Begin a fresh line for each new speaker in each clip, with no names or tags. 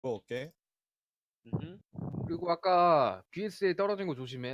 올게.
음.
그리고 아까 BSA 떨어진 거 조심해.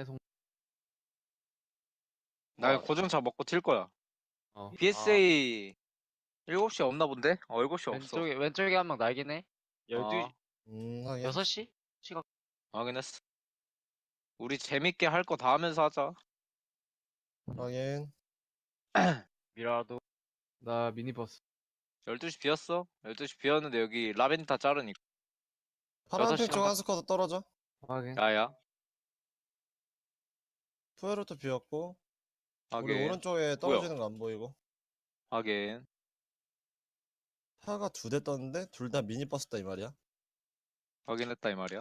나 고정차 먹고 튈 거야.
어.
BSA 7시 없나 본데? 7시 없어.
왼쪽에 한 명 날긴 해. 12,
아,
하긴.
6시? 시각.
확인했어. 우리 재밌게 할 거 다 하면서 하자.
하긴.
미라도.
나 미니버스.
12시 비었어? 12시 비었는데 여기 라벤타 자르니까.
파란색
6시
쪽 한 스쿼드 떨어져.
확인.
야야.
푸에르토 비었고. 우리
하긴.
오른쪽에 떨어지는 거 안 보이고.
하긴.
차가 2대 떴는데 둘 다 미니버스다 이 말이야.
확인했다 이 말이야.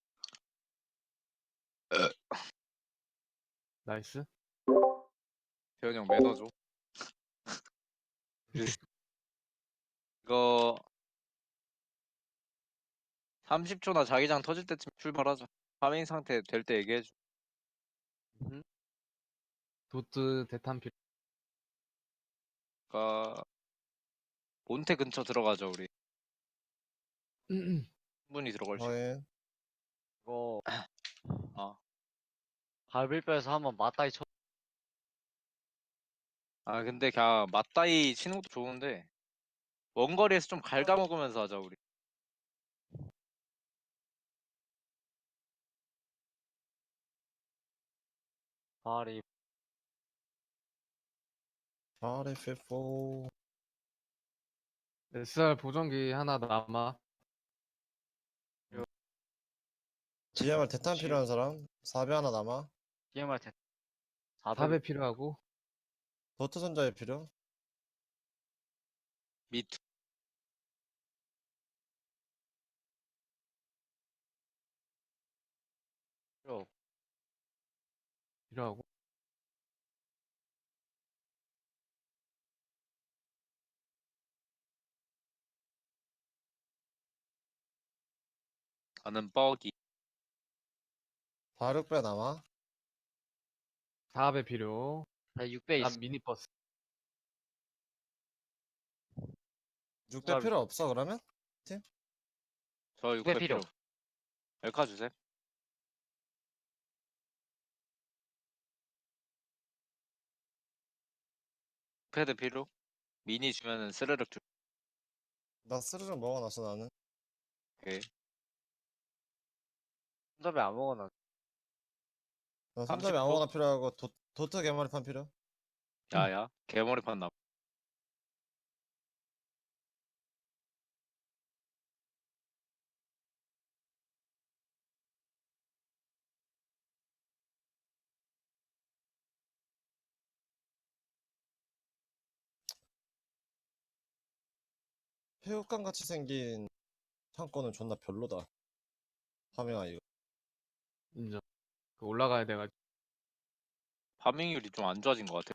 나이스.
대현이 형 매너 줘. 이거 30초나 자기장 터질 때쯤 출발하자. 파밍 상태 될 때 얘기해줘.
도트 대탄필.
그니까 몬테 근처 들어가자 우리. 충분히 들어갈 수 있어.
하긴.
이거.
아.
갈비뼈에서 한번 맞다이 쳐.
아 근데 그냥 맞다이 치는 것도 좋은데 원거리에서 좀 갉아먹으면서 하자 우리.
발이.
RF4.
SR 보정기 하나 남아.
GMR 대탄 필요한 사람. 4배 하나 남아.
DMR 대. 400.
4배 필요하고.
도트 손자에 필요.
미투.
필요하고.
나는 뻐기.
46배 남아.
4배 필요.
나 6배
난
있어.
미니버스.
6배 필요 없어 그러면?
저
6배
6배
필요.
필요. 엘카 주세요. 패드 필요. 미니 주면은 스르륵 줄.
나 스르륵 먹어놨어 나는.
오케이.
손잡이 아무거나.
나 손잡이
30초?
아무거나 필요하고 도트 개머리판 필요.
야야. 개머리판 남.
새우깡 같이 생긴 창고는 존나 별로다. 파밍아 이거.
인정. 그 올라가야 돼가지고.
파밍률이 좀 안 좋아진 것 같아.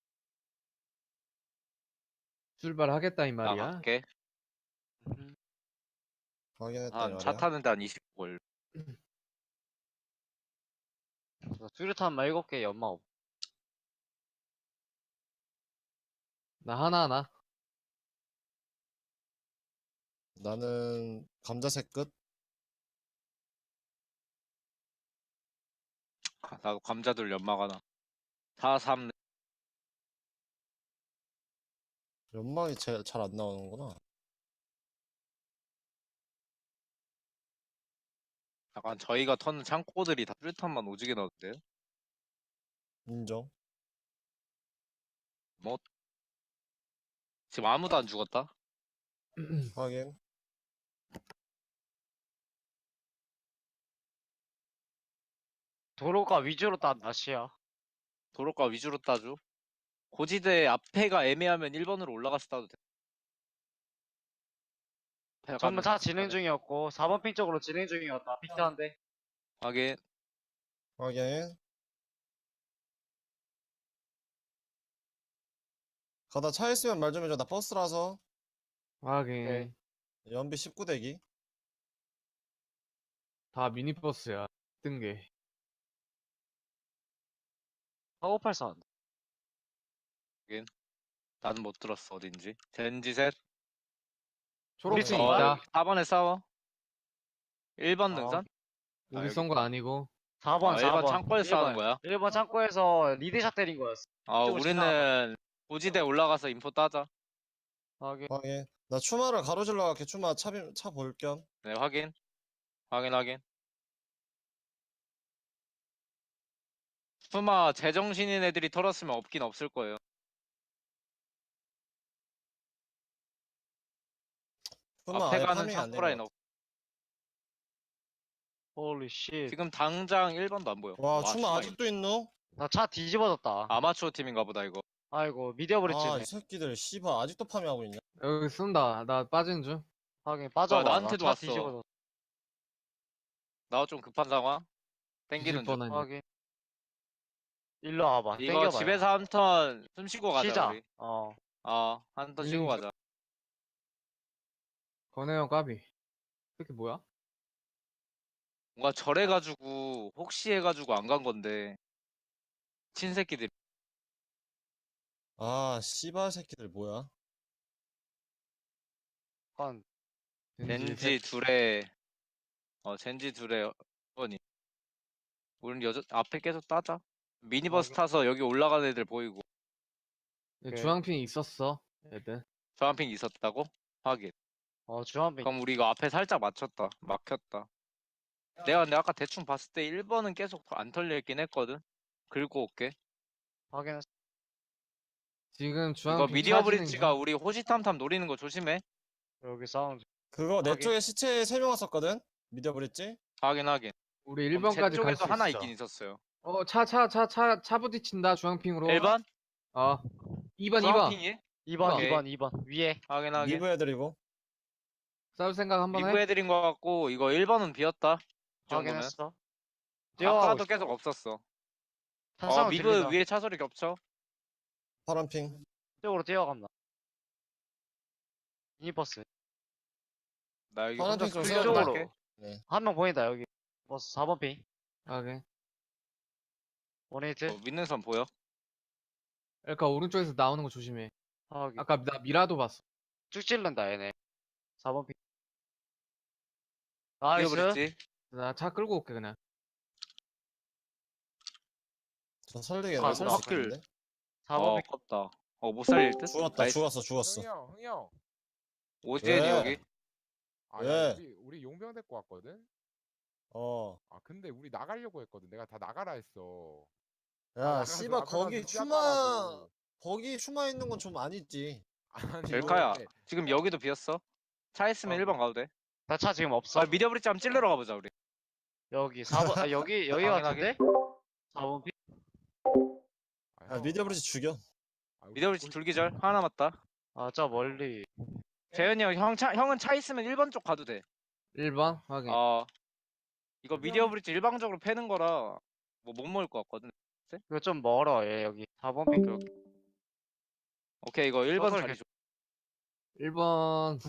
출발하겠다 이 말이야.
나갈게.
확인했다 이
한 차
말이야.
타는데 한 20분 걸려.
뚜렷한 말 7개 연마 없.
나 하나하나.
나는 감자색 끝.
나도 감자들 연막 하나. 4, 3.
연막이 잘 안 나오는구나.
약간 저희가 터는 창고들이 다 뚜렷한만 오지게 나오는데요?
인정.
뭐 지금 아무도 안 죽었다?
확인.
도로가 위주로 딴 낯이야.
도로가 위주로 따줘. 고지대 앞에가 애매하면 1번으로 올라가서 따도 돼.
전부 차 진행 중이었고 4번 핑 쪽으로 진행 중이었다. 피트한데.
하긴.
확인. 가다 차 있으면 말 좀 해줘. 나 버스라서.
확인.
네.
연비 19대기.
다 미니버스야. 뜬 게.
사고팔 사운드.
나는 못 들었어 어딘지. 젠지 셋.
초록색
우리
있다.
4번에 싸워. 1번
아,
능선?
우리
여기.
쏜 거 아니고.
4번,
1번
4번.
창고에서 하는 거야?
1번 창고에서 리드샷 때린 거였어. 이쪽으로
우리는 고지대 올라가서 인포 따자.
확인.
확인. 나 추마를 가로질러 갈게. 추마 차 볼 겸.
네, 확인. 확인. 수마 제정신인 애들이 털었으면 없긴 없을 거예요.
추마
앞에
아예
가는
파밍이 안
창고라인
된
없.
홀리 씨.
지금 당장 1번도 안 보여.
와, 추마
추마
아직도 있노?
나 차 뒤집어졌다.
아마추어 팀인가 보다 이거.
아이고, 미디어 브릿지네.
아, 이 새끼들 씨발 아직도 파밍하고 있냐?
여기 쏜다. 나 빠진 중.
확인, 빠져봐.
나한테도
차
왔어.
뒤집어졌어.
나 좀 급한 상황.
뒤질
땡기는 중.
뻔하니.
확인. 일로 와봐.
이거
땡겨봐요.
집에서 한 턴 숨 쉬고 가자
쉬자.
우리. 한 턴 쉬고
밀린
가자.
권혜영 까비. 이게 뭐야?
뭔가 절해가지고 혹시 해가지고 안 간 건데 친새끼들.
아, 씨발 새끼들 뭐야?
약간
젠지 둘에 젠지 둘에 번이. 우린 앞에 계속 따자. 미니버스
확인.
타서 여기 올라가는 애들 보이고.
주황핑 있었어. 애들.
저한핑 있었다고? 확인.
주한빈.
그럼 우리 이거 앞에 살짝 맞췄다. 막혔다. 내가 근데 아까 대충 봤을 때 1번은 계속 안 털려 있긴 했거든. 긁고 올게.
확인했어.
지금
이거
주황핑
미디어
차지는
브릿지가 우리 호시탐탐 노리는 거 조심해.
여기 사운드.
그거 내
확인.
쪽에 시체 3명 왔었거든? 미디어 브릿지?
확인.
우리
그럼 제
1번까지 갈
쪽에도
수
하나
있어.
있긴 있었어요.
차 부딪힌다. 주황핑으로.
1번?
2번.
주황핑이?
2번,
오케이.
2번. 위에.
확인.
리브 애들이고.
싸울 생각 한번
리브
해.
애들인 것 같고 이거 1번은 비었다. 이 정도면.
확인했어.
아까도 계속 없었어.
탄상을
미브
들린다.
위에 차소리 겹쳐.
파란핑.
쪽으로 뛰어간다. 미니버스.
나 여기
파란
혼자
핑 좀
클리어
세워줘.
좀 할게.
쪽으로.
네.
한 명 보인다, 여기. 버스 4번 핑.
오케이.
원에이트.
믿는 선 보여?
그러니까 오른쪽에서 나오는 거 조심해.
확인.
아까 나 미라도 봤어.
쭉 찔른다, 얘네. 4번 핑. 나이스.
뛰어버렸지?
나 차 끌고 올게 그냥.
저 설득에
아,
나설 수
바퀴를.
있겠는데?
4번 핑.
아깝다. 못 살릴 듯?
죽었다,
나이스.
죽었어.
흥이 형.
오지엔이
왜?
여기.
아,
왜?
야, 우리 용병 데리고 왔거든.
어.
아, 근데 우리 나가려고 했거든. 내가 다 나가라 했어.
야,
나가서
씨발,
앞에 가서
거기
뛰었다가도.
거기 추마 있는 건 좀 아니지.
아니,
벨카야.
근데
지금 여기도 비었어. 차 있으면
어.
1번 가도 돼.
나 차 지금 없어.
미디어 브릿지 한번 찔러러 가보자 우리.
여기 4번, 여기
확인하게.
같은데? 4번 핑.
아,
야,
형.
미디어 브릿지 죽여.
아, 우리
미디어 브릿지
우리-
둘기절. 하나 남았다.
저 멀리.
재현이 형은 차 있으면 1번 쪽 가도 돼.
1번 확인.
이거 미디어 브릿지 일방적으로 패는 거라 뭐 못 먹을 것 같거든.
이거 좀 멀어, 얘, 여기. 4번 핑.
오케이 이거 1번
서서히
자리 줘.
1번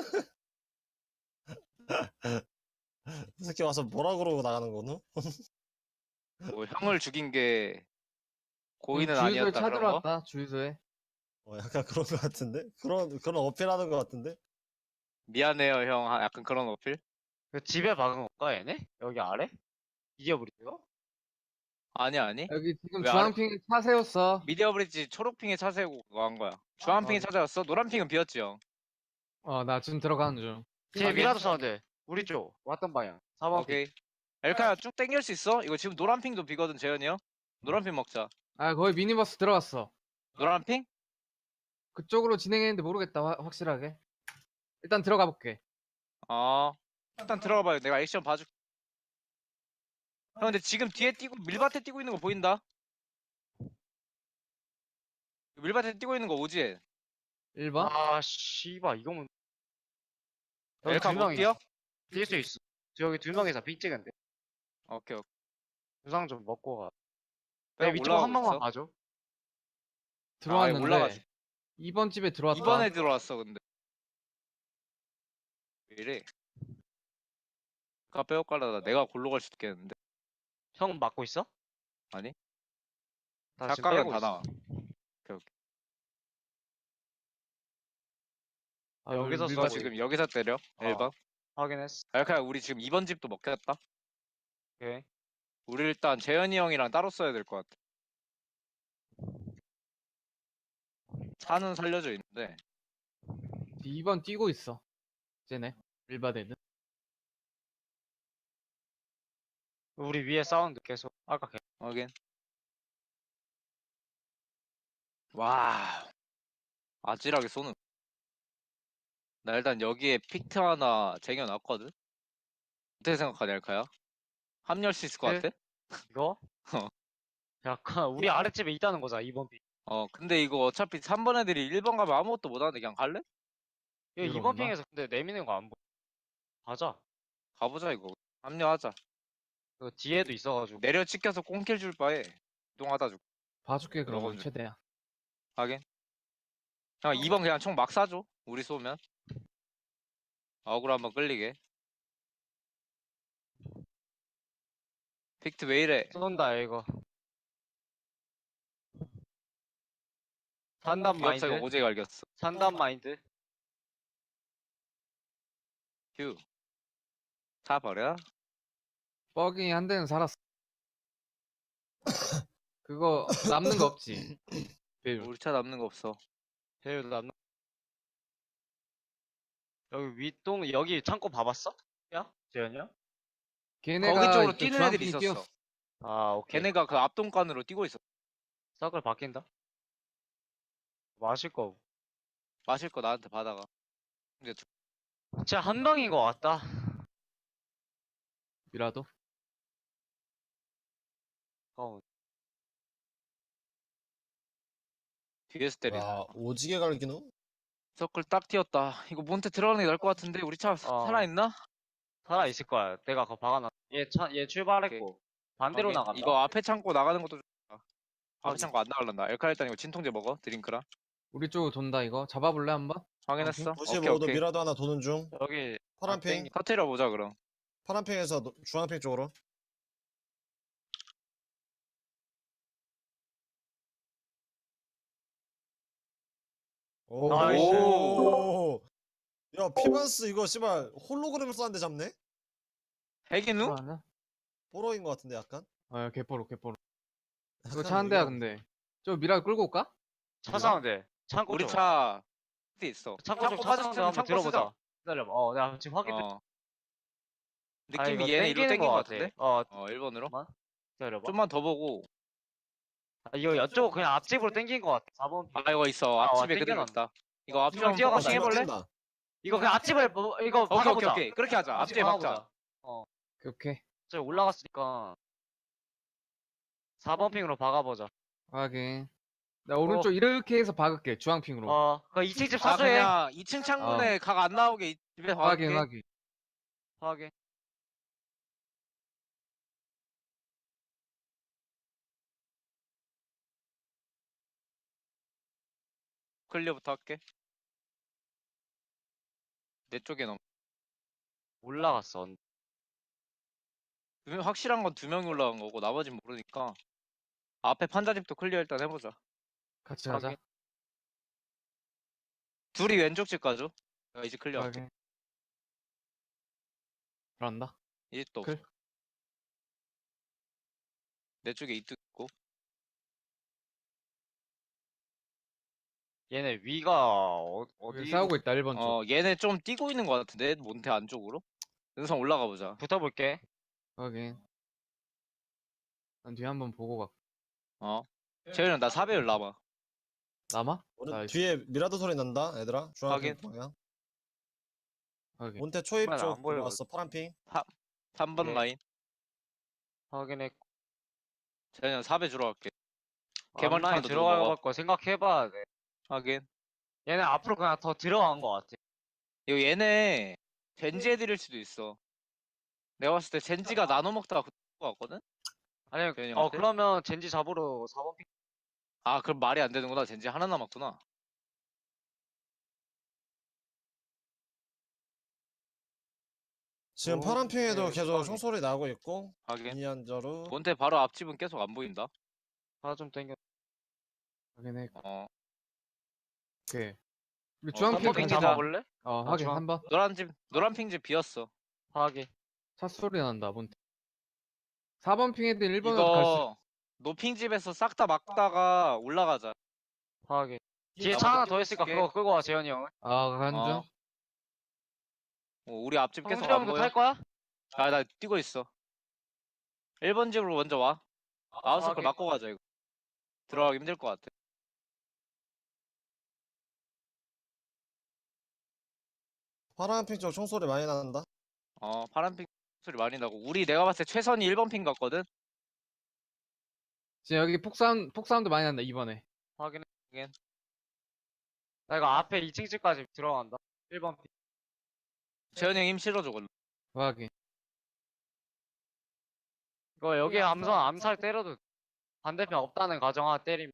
이 새끼 와서 뭐라 그러고 나가는 거노?
뭐 형을 죽인 게 고의는
주유소에
아니었다
차
그런 거?
들어왔다. 주유소에.
약간 그런 거 같은데? 그런 어필하는 거 같은데?
미안해요 형. 약간 그런 어필?
그 집에 박은 건가, 얘네? 여기 아래? 이게 우리요?
아니.
여기 지금
왜
주황핑에 차 세웠어.
미디어 브릿지 초록핑에 차 세우고 그거 한 거야. 주황핑에 찾아왔어? 노란핑은 비었지 형.
나 지금 들어가는 중.
뒤에 미라도 사운드. 우리 쪽. 왔던 방향. 4번 핑.
오케이. 엘카야 쭉 당길 수 있어? 이거 지금 노란핑도 비거든 재현이 형. 노란핑 먹자.
거의 미니버스 들어왔어.
노란핑?
그쪽으로 진행했는데 모르겠다. 확실하게. 일단 들어가 볼게.
일단 들어가 봐요. 내가 액션 봐줄게. 형 근데 지금 뒤에 뛰고 밀밭에 뛰고 있는 거 보인다? 밀밭에 뛰고 있는 거 오지?
1번?
씨발, 이거면. 여기
엘카
두
못
명이
뛰어?
뛸 수 있어. 여기 두 명이서 핑 찍은데.
오케이.
부상 좀 먹고 가.
형
내 위쪽 한
올라가고
번만
있어.
봐줘.
들어왔는데
올라가지.
2번 집에 들어왔다.
2번에 들어왔어 근데. 왜 이래? 아까 빼앗가려다 내가 골로 갈 수도 있겠는데.
형 맞고 있어?
아니?
나 지금
작가는
빼고
다
있어.
나와.
여기서
누가
쏘고
지금 여기서 때려?
어.
1번?
확인했어.
알카야 우리 지금 2번 집도 먹혔다.
오케이.
우리 일단 재현이 형이랑 따로 써야 될 것 같아. 차는 살려져 있는데
2번 뛰고 있어. 쟤네. 일바데는.
우리 위에 사운드 계속. 아까 걔.
확인. 와 아찔하게 쏘는. 나 일단 여기에 픽트 하나 쟁여놨거든. 어떻게 생각하냐 알카야? 합류할 수 있을 것
네.
같아?
이거?
어.
약간 우리 아랫집에 있다는 거잖아, 2번 핑.
근데 이거 어차피 3번 애들이 1번 가면 아무것도 못하는데 그냥 갈래?
이거
이리로
2번
온다?
핑에서 근데 내미는 거 안 보여. 가자.
가보자 이거. 합류하자.
그 뒤에도 있어가지고.
내려 찍혀서 꽁킬 줄 바에 이동하다 줄.
봐줄게 그러면
들어가면
최대야.
하긴. 형 2번 그냥 총 막 쏴줘. 우리 쏘면. 어그로 한번 끌리게. 픽트 왜 이래?
쏜다, 이거. 산단 마인드.
기업사가 오지게 갈겼어.
산단 마인드.
휴. 차 버려?
뻐기 한 대는 살았어. 그거 남는 거 없지. 배율.
우리 차 남는 거 없어.
배율 남. 여기 윗동, 여기 창고 봐봤어? 야? 재현이야?
걔네가
거기 쪽으로
이쪽
뛰는
주황
애들이
핑
있었어.
뛰었어.
아, 오케이.
걔네가 그 앞동간으로 뛰고 있어.
서클 바뀐다. 마실 거.
마실 거 나한테 받아가. 근데
진짜 한 방인 거 같다.
미라도.
어,
뒤에서 때리네.
야 오지게 갈기노?
서클 딱 튀었다. 이거 몬테 들어가는 게 나을 것 같은데 우리 차 살아있나?
살아 있을 거야. 내가 그거 박아놨. 얘 출발했고 반대로
확인.
나간다.
이거 앞에 창고 나가는 것도 좋다. 앞에
확인.
창고 안 나갈란다. 엘카 일단 이거 진통제 먹어. 드링크랑.
우리 쪽으로 돈다 이거. 잡아볼래 한번?
확인했어? 오케이
95도
오케이.
미라도 하나 도는 중.
여기
파란핑.
터트려 보자 그럼.
파란핑에서 주황핑 쪽으로.
나이스.
오. 야 피반스 이거 씨발 홀로그램을 쏘는데 잡네?
핵이누?
하나?
뽀로인 것 같은데 약간?
아 개뽀로 개뽀로. 이거
약간
차 한 대야
이거-
근데. 저 미라 끌고 올까?
차 사운드. 창고
우리
쪽.
차 어디 있어?
창고 쪽 차
빠졌으면
사운드 한번
창고
들어보자.
쓰자.
기다려봐. 내가 지금 확인.
어.
아,
느낌이
이거
얘네 이로
땡기는
땡긴
거
것
같아.
같은데? 1번으로?
기다려봐.
좀만 더 보고.
이거 이쪽 그냥 앞집으로 땡긴 거 같아. 4번.
아 이거 있어.
아,
앞집에 그대로
땡겨놨다.
있다. 이거 앞집
형
한번
뛰어가
박아봐.
해볼래?
뛴다.
이거 그냥 앞집을 이거
오케이
박아보자.
오케이. 그렇게 하자. 앞집에 박자.
오케이 오케이.
저 올라갔으니까 4번 핑으로 박아보자.
확인. 나 오른쪽 이렇게 해서 박을게. 주황핑으로.
그 2층 집
아
사수해.
그냥 2층 창문에 각 안 나오게 집에
확인
박을게.
확인.
확인.
클리어부터 할게. 내 쪽에 넘.
올라갔어.
확실한 건 2명이 올라간 거고 나머진 모르니까 앞에 판자집도 클리어 일단 해보자.
같이 가자.
확인.
둘이 왼쪽 집 가죠. 내가 이제 클리어 할게.
확인. 그런다.
이 집도 없어.
클.
내 쪽에 이뚝 있고.
얘네 위가
여기
어디
싸우고 있다 1번 쪽.
얘네 좀 뛰고 있는 것 같은데 몬테 안쪽으로. 능선 올라가 보자.
붙어볼게.
확인. 난 뒤에 한번 보고 가.
재현이 나 4배율 남아.
남아?
오른
나이스.
뒤에 미라도 소리 난다 얘들아. 주황핑
확인.
방향.
확인.
몬테 초입
정말 안
쪽
보여.
들어왔어. 파란핑.
3번
네.
라인.
확인했고.
재현이 4배 주러 갈게. 개머리
앞라인
탄도
들어갈
먹어.
거 생각해봐야 돼.
하긴.
얘네 앞으로 그냥 더 들어간 거 같아.
이거 얘네 젠지 애들일 수도 있어. 내가 봤을 때 젠지가 나눠 먹다가 그거 같거든?
아니,
재현이 형한테?
그러면 젠지 잡으러 4번 핑.
아 그럼 말이 안 되는구나. 젠지 하나 남았구나.
지금
오,
파란핑에도
네,
계속
수박이.
총소리 나고 있고.
하긴.
이안저루.
몬테 바로 앞집은 계속 안 보인다.
하나 좀 땡겨.
확인해.
어.
오케이. 우리 주황핑
삼번
핑
핑이다.
잡아볼래?
확인
중앙.
3번.
노란 핑집 비었어.
확인.
차 소리 난다 몬테. 4번 핑 애들 1번으로 갈 수.
이거 노핑집에서 싹 다 막다가 올라가자.
확인. 뒤에
나머지
차 하나 더
끼고
있으니까
있을게.
그거 끌고 와 재현이 형은.
간중.
어. 우리 앞집 계속
형수
안
형도
보여.
탈 거야?
나 뛰고 있어. 1번 집으로 먼저 와. 아웃서클
오케이.
맞고 가자 이거. 들어가기 힘들 것 같아.
파란핑 쪽 총소리 많이 난다.
파란핑 소리 많이 나고. 내가 봤을 때 최선이 1번 핑 같거든.
지금 여기 폭사운드 많이 난다 이번에.
확인해. 나 이거 앞에 2층 집까지 들어간다. 1번 핑.
재현이 형 힘 실어줘 걸로.
확인.
이거 여기 암살 때려도 반대편 없다는 가정 하나 때리면.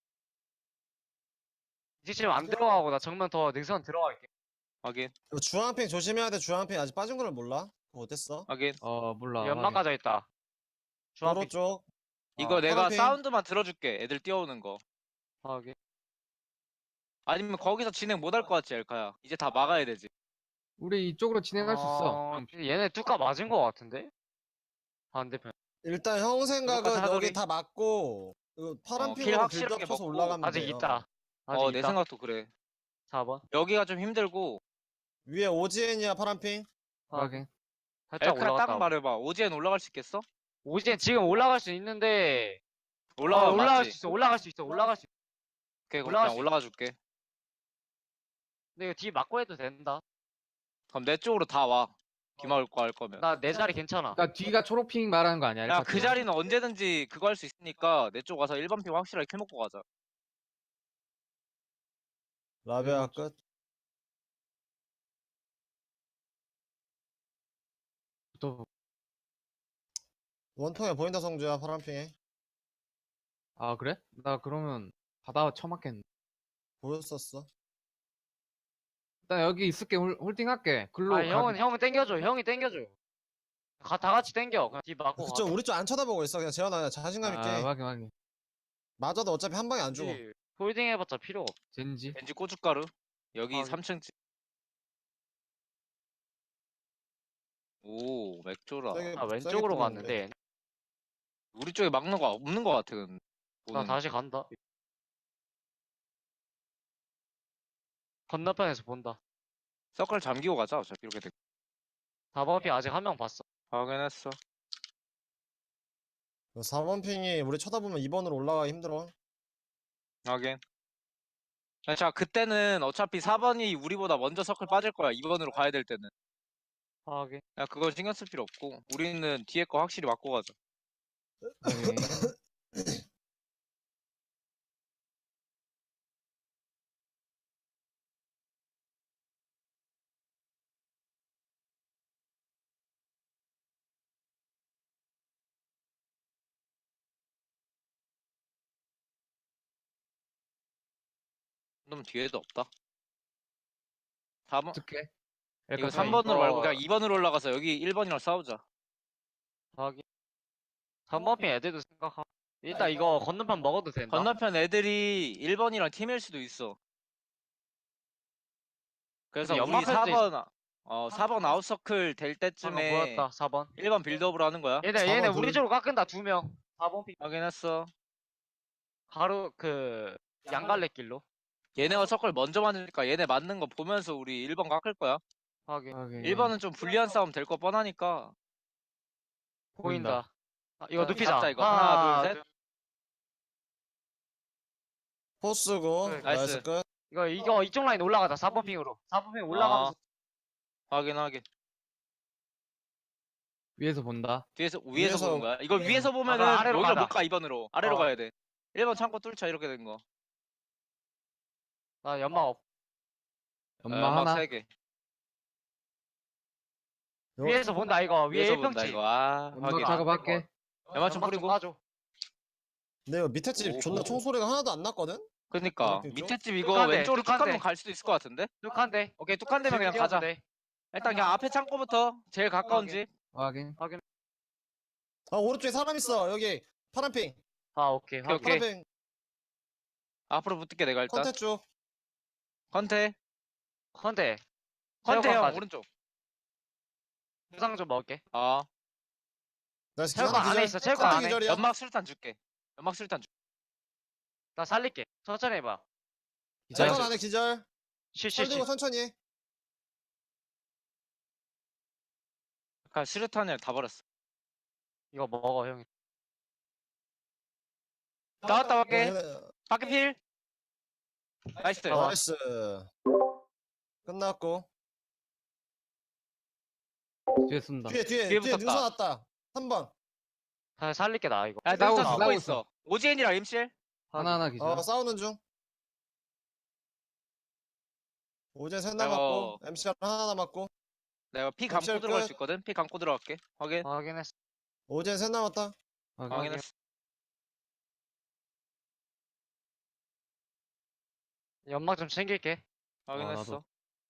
이 집 안 들어가고 나 정면 더 능선 들어갈게.
확인.
이거 주황핑 조심해야 돼. 주황핑 아직 빠진 걸 몰라. 그거 어땠어?
확인.
몰라.
연막
확인.
가져 있다.
도로
주황빛.
쪽.
이거 내가
파란핑.
사운드만 들어줄게. 애들 뛰어오는 거.
확인.
아니면 거기서 진행 못 할 것 같지 엘카야. 이제 다 막아야 되지.
우리 이쪽으로 진행할 수 있어.
얘네 뚜까 맞은 거 같은데? 반대편.
일단 형 생각은
사거리.
여기 다 맞고
킬
파란핑으로
확실하게
빌드업 쳐서
먹고.
올라가면
아직
돼요.
있다. 아직
내
있다.
생각도 그래.
4번.
여기가 좀 힘들고.
위에 오지엔이야 파란핑.
확인.
살짝
엘카야 딱
올라갔다.
말해봐. 오지엔 올라갈 수 있겠어?
오지엔 지금 올라갈 수 있는데
올라가
올라갈
맞지?
수 있어. 올라갈 수 있어. 올라갈 수 있어.
오케이, 그럼
올라갈
그냥
수
올라가 줄게.
근데 이거 뒤 막고 해도 된다.
그럼 내 쪽으로 다 와. 기막을 거 할 거면.
나 내 자리 괜찮아.
그러니까 뒤가 초록핑 말하는 거 아니야?
야,
알파
그
쪽은?
자리는 언제든지 그거 할 수 있으니까 내 쪽 와서 1번 핑 확실하게 킬 먹고 가자.
라베아 끝.
또-
원통에 보인다 성주야 파란핑에.
그래? 나 그러면 바다 처맞겠네.
보였었어.
일단 여기 있을게. 홀딩 할게. 글로
형은 땡겨줘. 형이 땡겨줘. 다 같이 땡겨. 그냥 뒤 막고
그쪽
가.
우리 쪽 안 쳐다보고 있어. 그냥 재현아 그냥 자신감 있게.
확인.
맞아도 어차피 한 방에 안 죽어.
홀딩 해봤자 필요 없어.
젠지.
왠지 고춧가루. 여기
아,
3층 집. 오, 맥주라.
세게-
나
세게
왼쪽으로
뿌리는데.
갔는데
우리 쪽에 막는 거 없는 거 같아. 근데.
나
보는.
다시 간다. 건너편에서 본다.
서클 잠기고 가자. 어차피 이렇게 돼.
4번 피 아직 한 명 봤어.
확인했어.
4번 핑이 우리 쳐다보면 2번으로 올라가기 힘들어.
확인. 자, 그때는 어차피 4번이 우리보다 먼저 서클 빠질 거야. 2번으로 가야 될 때는.
확인.
야, 그거 신경 쓸 필요 없고. 우리는 뒤에 거 확실히 맞고 가자.
확인.
놈 뒤에도 없다. 4번?
어떻게?
이거
그러니까
3번으로 말고
이거-
그냥 2번으로 올라가서 여기 1번이랑 싸우자.
확인. 3번 피 애들도 생각하고. 일단 이거 건너편 먹어도 된다.
건너편 애들이 1번이랑 팀일 수도 있어. 그래서
근데
우리
연막할 때
4번 아웃서클 될
방금
때쯤에
보였다. 4번.
1번 빌드업으로 하는 거야.
얘네
4번
우리
둘.
쪽으로 깎은다. 2명. 4번 피
확인했어.
가로 양갈래길로.
얘네가 서클 먼저 맞으니까 얘네 맞는 거 보면서 우리 1번 깎을 거야.
확인.
1번은 좀 불리한 싸움 될 거 뻔하니까.
보인다. 이거
자,
눕히자.
잡자, 이거. 하나, 둘, 셋.
포스고
그래,
나이스
나이스.
끝.
이거 이쪽 라인 올라가자. 4번 핑으로. 4번 핑 올라가면서
확인.
위에서 본다.
위에서
위에서-
보는 거야. 이거 위에서 보면은
아래로
여기로
가자.
못 가. 2번으로. 아래로
어.
가야 돼. 1번 창고 뚫자 이렇게 된 거.
나 연막 없.
엄마 하나.
3개.
위에서 본다 이거. 위에
위에서 본다
1평치.
이거.
연막
확인.
작업할게.
연막 좀 뿌리고.
까줘.
근데 이거 밑에 집 존나
오호.
총소리가 하나도 안 났거든?
그니까
파란핑 쪽?
밑에 집 이거
뚝한데,
왼쪽으로 쭉
뚝한데.
한번 갈 수도 있을 것 같은데?
뚝한데.
오케이 뚝한 대면 그냥 가자. 일단 그냥 앞에 창고부터 제일 가까운
오케이.
집.
확인.
오른쪽에 사람 있어. 여기 파란핑.
아 오케이.
오케이.
파란핑
앞으로 붙을게 내가 일단.
컨테 쪽.
컨테.
컨대.
컨테 형
체육관까지.
오른쪽.
부상 좀 먹을게.
아
나 스킬
체육관
하나
안에
기절.
있어, 체육관
컨테
안에.
기절이야.
연막 술탄 줄게. 연막 술탄 줄게.
나 살릴게. 천천히 해봐.
체육관 안에 기절.
쉬쉬쉬.
살리고 천천히 해.
그냥 수류탄을 다 버렸어.
이거 먹어 형이.
나왔다
어,
밖에. 밖에 필. 나이스.
어.
나이스. 끝났고.
뒤에 쏜다.
뒤에
뒤에
능선
붙었다.
왔다. 3번.
다 살릴게 나 이거.
야,
싸우고
능선
있어,
쓰고
싸우고
있어. 오지엔이랑 MCL.
하나하나 기절.
싸우는 중. 오젠 셋
내가-
남았고 MCR 하나 남았고
내가 피 감고
MCL
들어갈
끝.
수 있거든. 피 감고 들어갈게. 확인.
확인했어.
오젠 셋 남았다.
확인.
확인했어.
연막 좀 챙길게.
확인했어.
나도.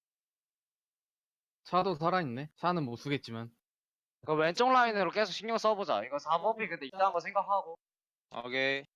차도 살아있네. 차는 못 쓰겠지만.
이거 왼쪽 라인으로 계속 신경 써보자. 이거 4번피 근데 이딴 거 생각하고.
오케이.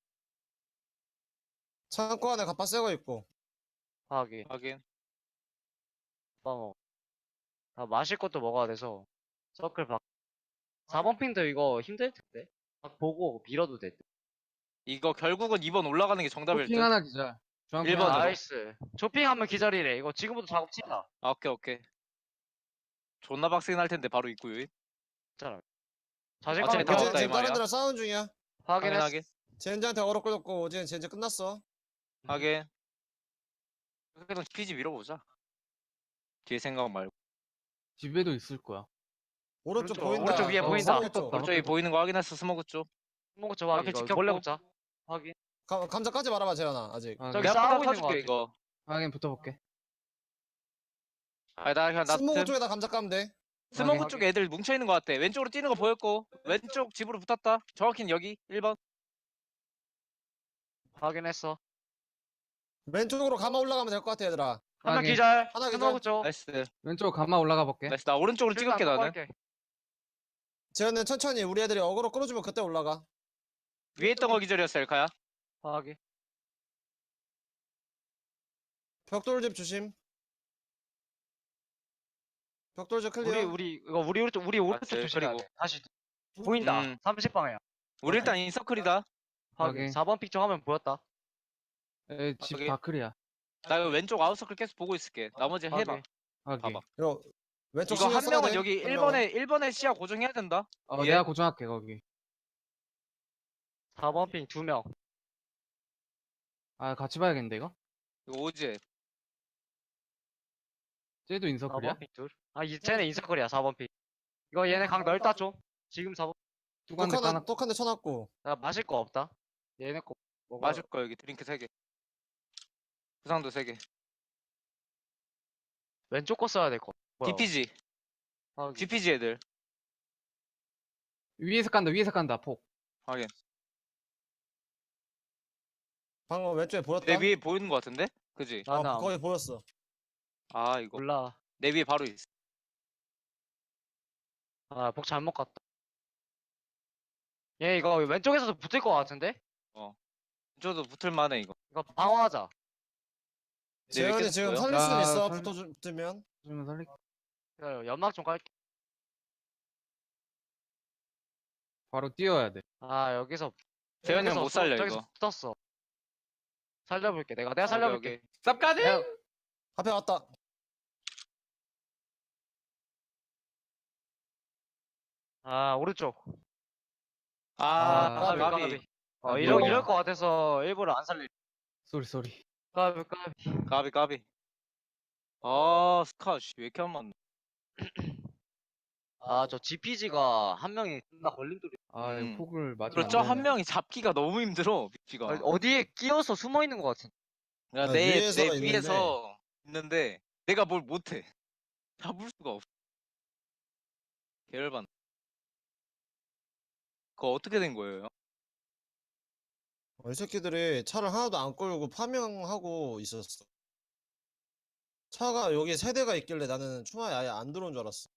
창고 안에 갑바 새거 있고
하기.
확인.
뭐. 다 마실 것도 먹어야 돼서. 서클 박. 4번 핑도 이거 힘들 텐데. 딱 보고 밀어도 돼.
이거 결국은 2번 올라가는 게 정답일 듯.
쇼핑 하나 기절. 중앙
일번
하나.
아,
나이스. 쇼핑하면 기다리래. 이거 지금부터 작업 친다.
아, 오케이 오케이. 존나 빡세긴 할 텐데 바로 입구 유입.
자신감이
어차피 다
다
왔다, 이
지금 다른
말이야.
데랑 싸우는 중이야.
확인했어.
확인하게.
젠지한테 어렵 걸렸고 오젠 젠지 끝났어.
확인. 그래도 피지 밀어보자. 뒤에 생각 말고.
집에도 있을 거야.
오른쪽
오른쪽,
보인다.
오른쪽 위에 보인다.
스모크 쪽.
오른쪽에 보이는 거 확인했어. 스모그 쪽.
먹고 저 확인.
앞에
이거
지켰고.
몰래 붙자. 확인.
감자 까지 말아봐 재현아 아직.
확인.
저기
내가
싸우고
싸우고
있는 거
줄게
같아.
이거.
확인 붙어볼게.
아니 나 그냥 나
스모그
틈.
쪽에다 감자 까면 돼.
스모그
확인,
쪽 애들 뭉쳐 있는 거 같아. 왼쪽으로 뛰는 거 보였고 왼쪽 집으로 붙었다. 정확히는 여기 1번.
확인했어.
왼쪽으로 감아 올라가면 될 것 같아 얘들아.
한 명
확인.
기절.
하나 기절.
스모그 쪽.
나이스.
왼쪽 감마 올라가 볼게.
나이스. 나 오른쪽으로 찍을게 나는.
재현은 천천히 우리 애들이 어그로 끌어주면 그때 올라가.
위에 있던 거 기절이었어 엘카야.
확인.
벽돌집 조심. 벽돌집 클리어.
우리 오른쪽
맞지,
조심해야
그리고.
돼. 다시 보인다.
음.
30방향.
우리 일단 인서클이다.
확인.
확인.
4번 픽 쪽 화면 보였다.
집
확인.
다클이야.
나 이거 왼쪽 아웃서클 계속 보고 있을게. 나머지 해봐.
확인.
확인.
봐봐.
이거 왼쪽
이거
신경
한
써야
명은
돼.
여기
한 명은.
1번에 시야 고정해야 된다. 예.
내가 고정할게 거기.
4번 픽 2명.
아 같이 봐야겠는데 이거?
이거 오지.
쟤도 인서클이야?
4번 픽 둘. 쟤네 인서클이야 4번 픽. 이거 얘네 각 넓다 좀. 지금 4번.
뚜간데 까놨.
똑한데 쳐놨고.
나 마실 거 없다. 얘네 거 먹어.
마실 거 여기 드링크 3개. 부상도 3개.
왼쪽 거 써야 될 거. 뭐야?
DPG.
확인.
DPG 애들.
위에서 깐다. 위에서 깐다. 폭.
확인.
방금 왼쪽에 보였다.
내 위에 보이는 거 같은데? 그지?
나는
거기 보였어.
아 이거.
몰라.
내 위에 바로 있어.
복 잘못 갔다. 얘 이거 왼쪽에서도 붙을 거 같은데?
저도 붙을 만해 이거.
이거 방어하자.
내 위에
재현이
계속
지금
보여?
살릴 수는
나
있어.
살-
붙어주면.
좀 살릴게.
기다려, 연막 좀 깔게.
바로 뛰어야 돼.
여기서
재현이 형 못 살려
저기서
이거.
붙었어. 살려볼게. 내가
오케이,
살려볼게.
오케이.
쌉까지?
내가-
앞에 왔다.
오른쪽.
아,
까비,
까비.
이럴
뭐야.
거 같아서 일부러 안 살릴.
쏘리.
까비.
까비. 아, 스카, 씨, 왜 이렇게 안 맞나?
저 GPG가 한 명이 나 걸림돌이.
아
음.
이거 폭을 맞으면
그렇죠,
안
한
되네.
명이 잡기가 너무 힘들어, 위치가.
어디에 끼어서 숨어 있는 것 같은.
그러니까
아,
내
위에서 있는데.
위에서 있는데, 내가 뭘 못해. 잡을 수가 없어. 계열반. 그거 어떻게 된 거예요?
이 새끼들이 차를 하나도 안 끌고 파밍하고 있었어. 차가 여기 세 대가 있길래 나는 추마에 아예 안 들어온 줄 알았어.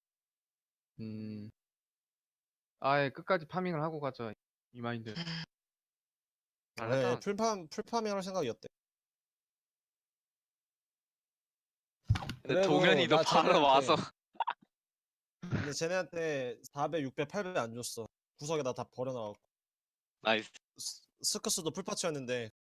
아예 끝까지 파밍을 하고 가자. 이 마인드.
네, 풀파밍 할 생각이었대.
근데
그래도
동현이도
나
바로
쟤네한테-
와서
근데 쟤네한테 400, 600, 800 안 줬어. 구석에다 다 버려놔갖고.
나이스.
스커스도 풀파츠였는데